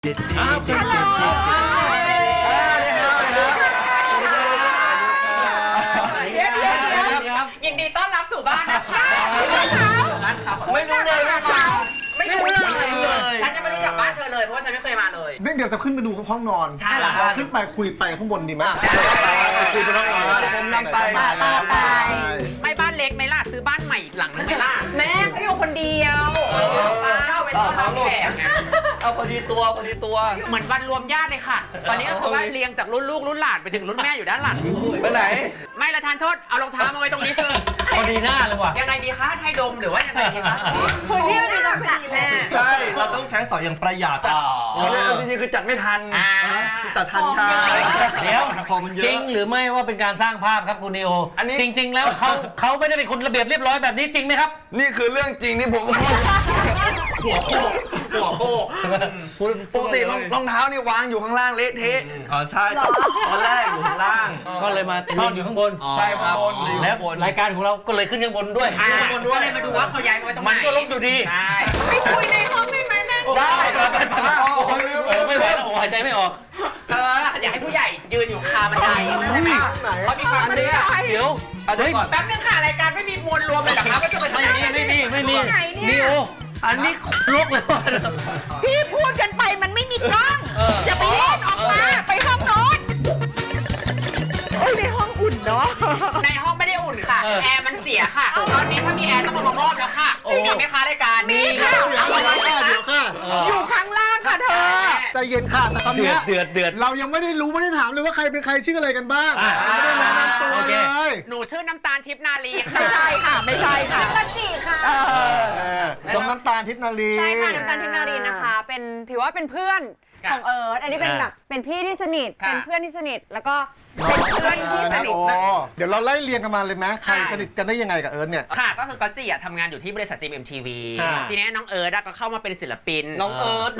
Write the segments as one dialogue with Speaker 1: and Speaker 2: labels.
Speaker 1: ยินดีต้อนรับสู่บ้านนะคะ
Speaker 2: ไม่รู้เลยว่า
Speaker 1: ไม่รู้เลยฉันยังไม่รู้จักบ้านเธอเลยเพราะว่าฉันไม่เคยมาเลย
Speaker 3: เดี๋ยวจะขึ้นไปดูห้องนอน
Speaker 1: ใช่
Speaker 3: ขึ้นไปคุยไปข้างบนดีไหม
Speaker 2: คุยไปน้องผมนำไป
Speaker 1: ไม่บ้านเล็กไหมล่ะซื้อบ้านใหม่อีกหลังนึงไหมล่ะ
Speaker 4: แม่ไม่อยู่คนเดียว
Speaker 1: เข้าไปต้อนรับแขก
Speaker 2: เอาพอดีตัว
Speaker 1: เหมือนวันรวมญาติเลยค่ะตอนนี้ก็คือว่าเรียงจากรุ่นลูกรุ่นหลานไปถึงรุ่นแม่อยู่ด้านหลัง
Speaker 2: ไปไหน
Speaker 1: ไม่ละทานโทษเอารองเท้ามาไว้ตรงนี้คือ
Speaker 5: พอดีหน้าเลยว่ะ
Speaker 1: ยังไงดีคะให้ดมหรือว่ายังไงดีคะ
Speaker 4: พื้นที่มันมีจำกัดแม่
Speaker 2: ใช่เราต้องใช้สอยอย่างประหยัดจริงๆคือจัดไม่ทันจัดทันค่ะ
Speaker 5: เดี๋ยวจริงหรือไม่ว่าเป็นการสร้างภาพครับคุณเนโอจริงๆแล้วเขาไม่ได้เป็นคนระเบียบเรียบร้อยแบบนี้จริงไหมครับ
Speaker 2: นี่คือเรื่องจริงที่ผมหัวโคกปกติรองเท้านี่วางอยู่ข้างล่างเละเทะอ๋อใช่ตอนแรกอยู่ข้างล่าง
Speaker 5: ก็เลยมาซ่อนอยู่ข้างบน
Speaker 2: ใช่ครับ
Speaker 5: แล้วรายการของเราก็เลยขึ้นข้างบนด้วย
Speaker 1: ก็เลยมาดูว่าเขาย้ายมาไว้ตรงไหน
Speaker 5: มันก็ลบอยู่ดี
Speaker 4: ไม่คุยในห้องได้ไหมแม่
Speaker 2: ได้
Speaker 5: ไม่ไหวแล้วหายใจไม่ออก
Speaker 1: อยากให้ผู้ใหญ่ยืนอยู่คาบันไดใช่ไหมเขามีความเชื่อ
Speaker 5: เดี๋ยว
Speaker 1: แป๊บนึงค่ะรายการไม่มีมวลรวมเลยเหรอครับว่าจะไป
Speaker 5: ไม่มีนี่โออันนี้ลกเลย
Speaker 4: พี่พูดกันไปมันไม่มีกล้องอย่าไปเล่นออกมาไปห้องนอนในห้องอุ่นเนาะ
Speaker 1: ในห้องไม่ได้อุ่นค่ะแอร์มันเสียค่ะตอนนี้ถ้ามีแอร์ต้องมามอบแล้วค่ะมีไหมคะรายการ
Speaker 4: มีค่ะเดี๋ยวค่ะอยู่ข้างล่างค่ะเธอ
Speaker 3: ใจเย็นค่ะแต่ตอนนี้
Speaker 5: เดือด
Speaker 3: เรายังไม่ได้รู้ไม่ได้ถามเลยว่าใครเป็นใครชื่ออะไรกันบ้างไม่ได้แนะนำตัวเลย
Speaker 1: หนูชื่อน้ำตาลทิพย์นาลีค่ะ
Speaker 4: ไม่ใช่ค่ะไม่ใช่ค่ะกจิค่ะ
Speaker 3: น้องน้ำตาลทิพย์นาลี
Speaker 4: ใช่ค่ะน้ำตาลทิพย์นาลีนะคะเป็นถือว่าเป็นเพื่อนของเอิร์ธอันนี้เป็นแบบเป็นพี่ที่สนิทเป็นเพื่อนที่สนิทแล้วก็เป็นเพื่อนที่สนิท
Speaker 3: เดี๋ยวเราไล่เรียงกันมาเลยไหมใครสนิทกันได้ยังไงกับเอิร์ธเนี่ย
Speaker 1: ค่ะก็คือก๊อตจี้ทำงานอยู่ที่บริษัท GMMTV ทีนี้น้องเอิร์ธก็เข้ามาเป็นศิลปิน
Speaker 2: น้องเอิร์ธ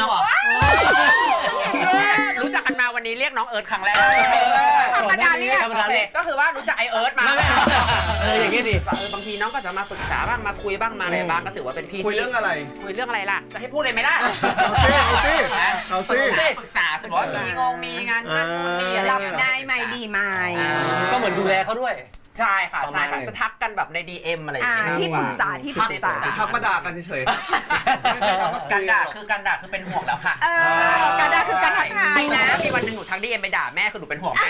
Speaker 1: รู้จักกันมาวันนี้เรียกน้องเอิร์ธครั้งแรก
Speaker 4: ธรรมดาเรียก
Speaker 1: ก็คือว่ารู้จักไอเอิร์ธมา
Speaker 5: อย่างนี้ดิ
Speaker 1: บางทีน้องก็จะมาปรึกษาบ้างมาคุยบ้างมาอะไรบ้างก็ถือว่าเป็นพี่
Speaker 2: คุยเรื่องอะไร
Speaker 1: ล่ะจะให้พูดเลยไหมล่ะ
Speaker 3: เอาซิ
Speaker 1: ปรึกษาสมมติว่ามีงานนั่นนู่นนี่อะไร
Speaker 4: รับได้ไหมดีไหม
Speaker 5: ก็เหมือนดูแลเขาด้วย
Speaker 1: ใช่ค่ะจะทักกันแบบใน DM อะไรอย่างเงี้ย
Speaker 4: ที่ปรึกษา
Speaker 2: ทักมาด่ากันเฉย
Speaker 1: ๆการด่าคือเป็นห่วงแล้วค่ะ
Speaker 4: การด่าคือการทักทายนะ
Speaker 1: มีวันหนึ่งหนูทัก DM ไปด่าแม่คือหนูเป็นห่วงแม่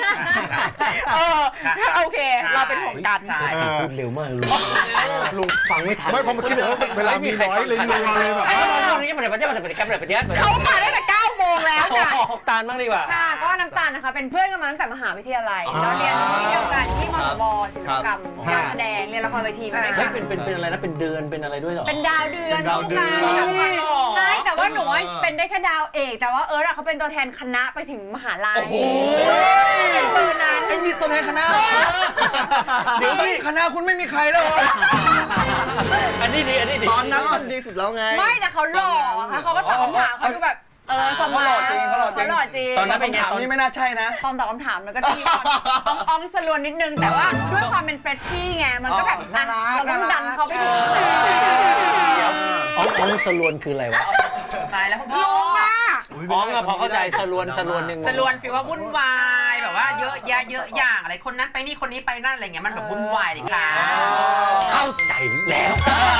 Speaker 4: โอเคเราเป็นห่วงกัน
Speaker 5: พูดเร็วมากลุงฟังไม่ทัน
Speaker 3: ไม่พอเมื่อกี้บอกว่าเวลามีน้อยเลยรัวเลยแบบ
Speaker 5: นี้มันเป็น
Speaker 4: เขามาตั้งแต่9 โมงแล้วค่ะ
Speaker 5: ตาลบ้างดีกว่า
Speaker 4: ค่ะก็น้ำตาลนะคะเป็นเพื่อนกันมาตั้งแต่มหาวิทยาลัยเราเรียนที่เดียวกันที่มสวศิลปกรรมการแสดงเรียนละครเวทีมาด้วยกัน
Speaker 5: เป็นอะไรนะเป็นเดือนเป็นอะไรด้วยหรอ
Speaker 4: เป็นดาวเดือนใช่แต่ว่าหนูเป็นได้แค่ดาวเอกแต่ว่าเอิร์ธเขาเป็นตัวแทนคณะไปถึงมหาลัยตัวนั้น
Speaker 2: ไอ้มีตัวแทนคณะเดี๋ยวคณะคุณไม่มีใครแล้ว
Speaker 5: อันนี้ดี
Speaker 2: ตอนนั้นมันดีสุดแล้วไง
Speaker 4: ไม่แต่เขาหล่อค่ะเขาก็ตอบคำถามเขาดูแบบสมองเขาหล่อจริง
Speaker 2: ตอนนั้นคำถามนี้ไม่น่าใช่นะ
Speaker 4: ตอนตอบคำถามมันก็จะมีอ่องสลวนนิดนึงแต่ว่าด้วยความเป็นเฟรชชี่ไงมันก็แบบเราต้องดันเขาไปถึง
Speaker 5: อ่องสลวนคืออะไรวะ
Speaker 1: ตายแล้วพ่อ
Speaker 5: อ๋อพอเข้าใจสลวนหนึ่ง
Speaker 1: สลวนฟีลว่าวุ่นวายแบบว่าเยอะอย่างอะไรคนนั้นไปนี่คนนี้ไปนั่นอะไรเงี้ยมันแบบวุ่นวายเลยค่ะ
Speaker 5: เข้าใจแล้ว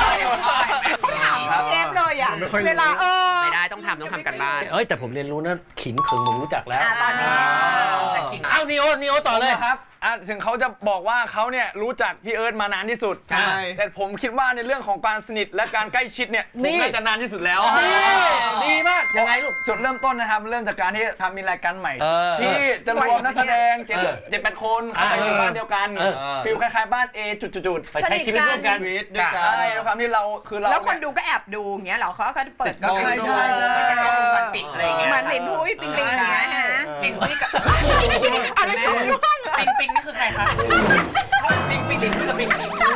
Speaker 4: เทปเลยอ่ะเวลา
Speaker 1: ไม่ได้ต้องทำกันบ้าน
Speaker 5: แต่ผมเรียนรู้นะขิงเขิงผมรู้จักแล้ว
Speaker 4: ตอนนี้
Speaker 1: แต่ขิง
Speaker 5: นิโอต่อเลย
Speaker 2: ครับถึงเขาจะบอกว่าเขาเนี่ยรู้จักพี่เอิร์ธมานานที่สุดแต่ผมคิดว่าในเรื่องของการสนิทและการใกล้ชิดเนี่ยผมน่าจะนานที่สุดแล้ว
Speaker 5: ดีมากยังไงลูก
Speaker 2: จุดเริ่มต้นนะครับเริ่มจากการที่ทำมีรายการใหม่ที่จะรวมนักแสดง7-8 คนเข้าไปอยู่บ้านเดียวกันฟีลคล้ายๆบ้าน A จุดๆ
Speaker 5: ไปใช้ชีวิตร่วมกัน
Speaker 2: ใช่แล้วความที่เราคือเรา
Speaker 4: แล้วคนดูก็แอบดูอย่างเงี้ยเหรอเขาก็เปิด
Speaker 2: ก็ใช่
Speaker 1: ปิดอะไรเงี้ย
Speaker 4: มันลินหุ้ยปิงอย่างเงี้ยนะ
Speaker 1: ลินหุ้ยกับ
Speaker 4: อะไรช่วง
Speaker 1: ปิงนี่คือใครคะปิงลินหุ้ยกับปิง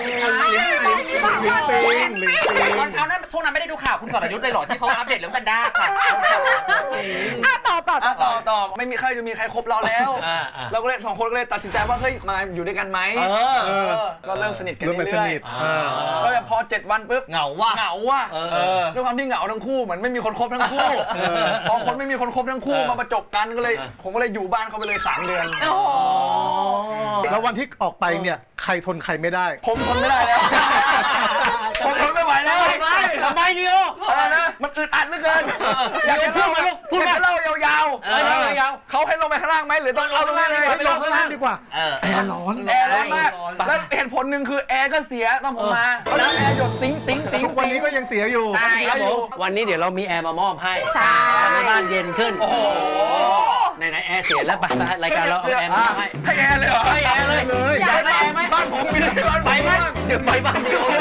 Speaker 1: ตอนเช้านั้นช่วงนั้นไม่ได้ดูข่าวคุณสรยุทธ์เลยหรอที่เขาอัปเดตเรื่องแพนด้าค่ะ
Speaker 4: ต่อ
Speaker 2: ต่อไม่มีใครจะมีใครคบเราแล้วเราก็เลย2 คนก็เลยตัดสินใจว่าเฮ้ยมาอยู่ด้วยกันไหมก็เริ่มสนิทกันเรื่อยๆแล้วพอ7 วันปุ๊บเหงาว่ะด้วยความที่เหงาทั้งคู่เหมือนไม่มีคนคบทั้งคู่พอคนไม่มีคนคบทั้งคู่มาประจบกันก็เลยผมก็เลยอยู่บ้านเขาไปเลย3 เดือน
Speaker 3: แล้ววันที่ออกไปเนี่ยใครทนใครไม่ได้
Speaker 2: ผมทนไม่ได้แล้วผมทนไม่ไหวแล้ว
Speaker 5: ทำไมเดียว
Speaker 2: อะไรนะมันอึดอัดเหลือเกินอยากจะเล่าอยากจะเล่ายาวๆเขาให้ลงไปข้างล่างไหมหรือต้องเอาลงล่างเลย
Speaker 3: ไปลงข้างล่างดีกว่าแอร์ร้อน
Speaker 2: แอร์ร้อนมากแล้วเหตุผลหนึ่งคือแอร์ก็เสียตอนผมมาน้ำแอร์หยดติ๊ง
Speaker 3: ทุกวันนี้ก็ยังเสียอยู่
Speaker 1: ใช่ครับผม
Speaker 5: วันนี้เดี๋ยวเรามีแอร์มามอบให้
Speaker 4: ใช่
Speaker 5: ทำให้บ้านเย็นขึ้นไหนแอร์เสียแล้วไปรายการเราเอาแอร์มาให้
Speaker 2: ให้แอร์เลยเหรอ
Speaker 5: ให้แอร์เลย
Speaker 3: เลย
Speaker 5: อยากได้แอร์ไหม
Speaker 2: บ้านผมมีบ้าน
Speaker 5: ไปไหมเดี๋ยวไปบ้านเดียว